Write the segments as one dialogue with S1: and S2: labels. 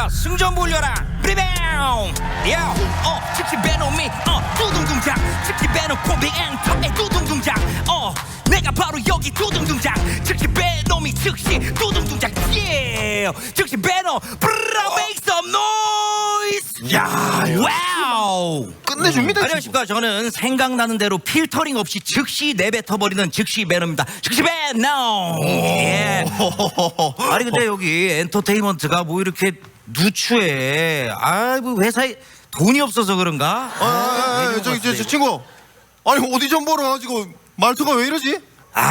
S1: 승전 몰려라 리바운드 즉시 베놈이 두둥둥장 즉시 베놈 코비 엔터의 두둥둥장 내가 바로 여기 두둥둥장 즉시 베놈이 즉시 두둥둥장 즉시 베놈 브라 make some noise.
S2: 야,
S1: 와우
S2: 끝내줍니다.
S1: 안녕하십니까. 저는 생각나는 대로 필터링 없이 즉시 내뱉어버리는 즉시 베놈입니다. 즉시 베놈. 예. 아니 근데 여기 엔터테인먼트가 뭐 이렇게 누추해. 뭐 회사에 돈이 없어서 그런가?
S2: 저기 저 친구, 아니 어디 좀 보러 가지고 말투가 왜 이러지?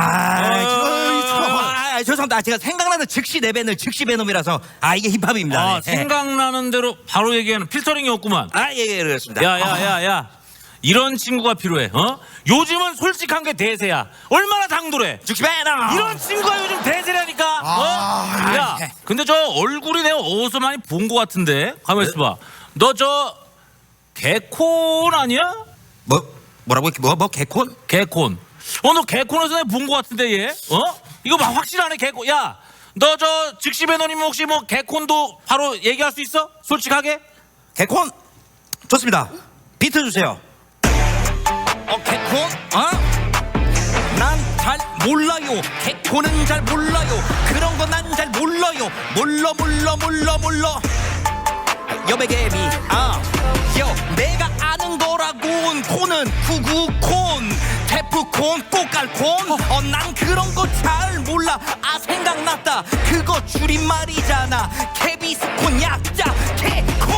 S1: 죄송합니다. 제가 생각나는 즉시 내뱉는 즉시 베놈이라서 이게 힙합입니다.
S3: 생각나는 대로 바로 얘기하는 필터링이 없구만.
S1: 예, 그렇습니다.
S3: 야야야야, 이런 친구가 필요해. 요즘은 솔직한 게 대세야. 얼마나 당돌해.
S1: 즉시 베놈.
S3: 이런 친구가 요즘 대세라니까. 야, 근데 저 얼굴이 내가 어디서 많이 본 것 같은데. 가만 있어봐. 너 저 개콘 아니야?
S1: 뭐라고 개콘?
S3: 개콘. 너 개콘에서 내가 본 것 같은데 얘. 이거 막 확실하네 개콘. 야, 너 저 즉시 배너님 혹시 뭐 개콘도 바로 얘기할 수 있어? 솔직하게?
S1: 개콘 좋습니다. 비트 주세요. 개콘? 난 잘 몰라요. 개콘은 잘 몰라요. 그런 거 난 잘 몰라요. 몰라. 여백개비 내가 아는 거라곤 콘은 구구콘 테프콘 꽃갈콘 난 그런 거 잘 몰라. 생각났다. 그거 줄임말이잖아. 케비스콘 약자 개콘.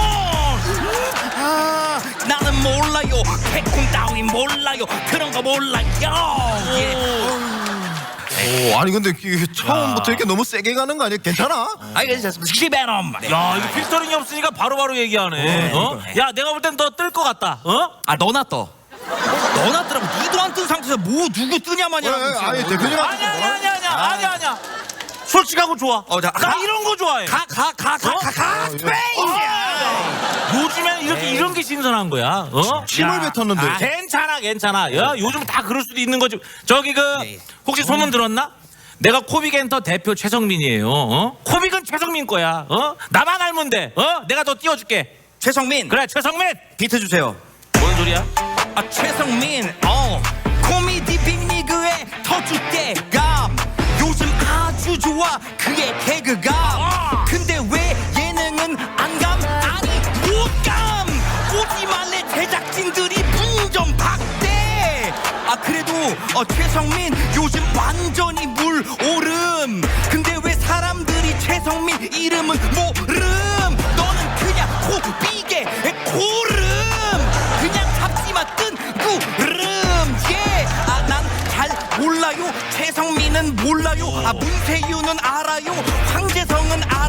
S1: 나는 몰라요. 개콘 따윈 몰라요. 그런 거 몰라요.
S2: 아니 근데 이게 처음부터 이렇게 너무 세게 가는 거 아니야? 괜찮아?
S1: 알겠습니다. 즉시 베놈.
S3: 야, 이거 필터링이 없으니까 바로바로 얘기하네. 야, 내가 볼 땐 너 뜰 것 같다.
S1: 너나 떠. 너나 뜨라고. 니도 안 뜬 상태에서 뭐 누구 뜨냐 마냐.
S2: 아니 대표님한테
S3: 아니야. 솔직하고 좋아. 나 이런 거 좋아해. 요즘에는 이런 게 신선한 거야.
S2: 침을 뱉었는데.
S3: 괜찮아. 야, 요즘 다 그럴 수도 있는 거지. 저기 혹시 소문 들었나? 내가 코빅엔터 대표 최성민이에요. 코빅은 최성민 거야. 나만 알면 돼. 내가 더 띄워줄게.
S1: 최성민.
S3: 그래, 최성민.
S1: 비트 주세요.
S3: 뭔 소리야?
S1: 최성민. 코미디 빅리그의 터줏대감. 요즘 아주 좋아 그의 개그감. 근데 왜 예능은 안 감? 아니 못감. 오지 말래 제작진들이 분전박대. 그래도 최성민 요즘 완전히 물 오름. 근데 왜 사람들이 최성민 이름은 모름? 너는 그냥 코비게 고름. 그냥 잡지마 뜬 구름. 난 잘 몰라요. 최성민은 몰라요. 문세윤은 알아요. 황재성은 알아요.